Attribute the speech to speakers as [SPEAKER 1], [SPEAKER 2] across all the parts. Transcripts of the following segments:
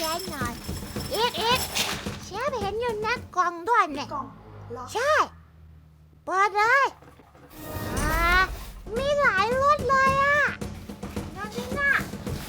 [SPEAKER 1] นหน่อยอีกเชฟเห็นอยู่ในกล่องด้วยเนี่ย
[SPEAKER 2] กล่องเหรอ
[SPEAKER 1] ใช่เปิดเลยมีหลายรสเลยอ่ะนั่นนี่น่ะ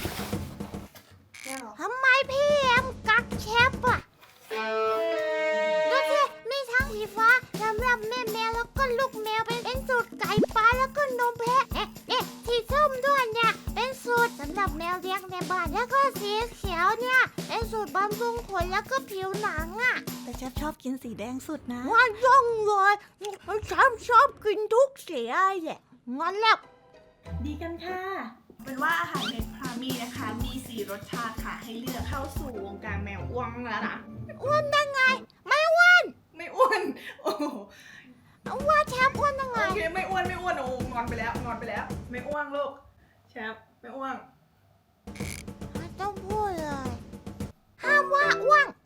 [SPEAKER 2] เนี่ยเหรอ
[SPEAKER 1] ทำไมพี่เอ็มกักเชฟอ่ะดูสิมีทั้งสีฟ้าสำหรับแม่แมวแล้วก็ลูกแมวเป็นสูตรไก่ปลาแล้วก็นมแพะสีส้มด้วยเนี่ยเป็นสูตรสำหรับแมวเลี้ยงในบ้านแล้วก็สีเขียวเนี่ยเป็นสูตรบำรุงขนแล้วก็ผิวหนังอ่ะ
[SPEAKER 3] แต่เชฟชอบกินสีแดงสุดนะ
[SPEAKER 1] ว่าย่องเลยฉันชอบกินทุกสีแหละงั้นแล้ว
[SPEAKER 3] ดีกันค่ะ
[SPEAKER 2] เป็นว่าอาหารในพรามีนะคะ มี4รสชาติค่ะ ให้เลือกเข้าสู่วงการแมวอ้วงแล้วนะ
[SPEAKER 1] อ้วนได้ไงไม่อ้วน
[SPEAKER 2] ไม่อ้วน โอ้โห
[SPEAKER 1] ว่าแชมป์อ้วนได้ไง
[SPEAKER 2] โอเคไม่อ้วนโอ้งอนไปแล้ว ไม่อ้วนลูกแชมป์ไม่อ้วน
[SPEAKER 1] ไม่ต้องพูดเลยห้ามว่าอ้วน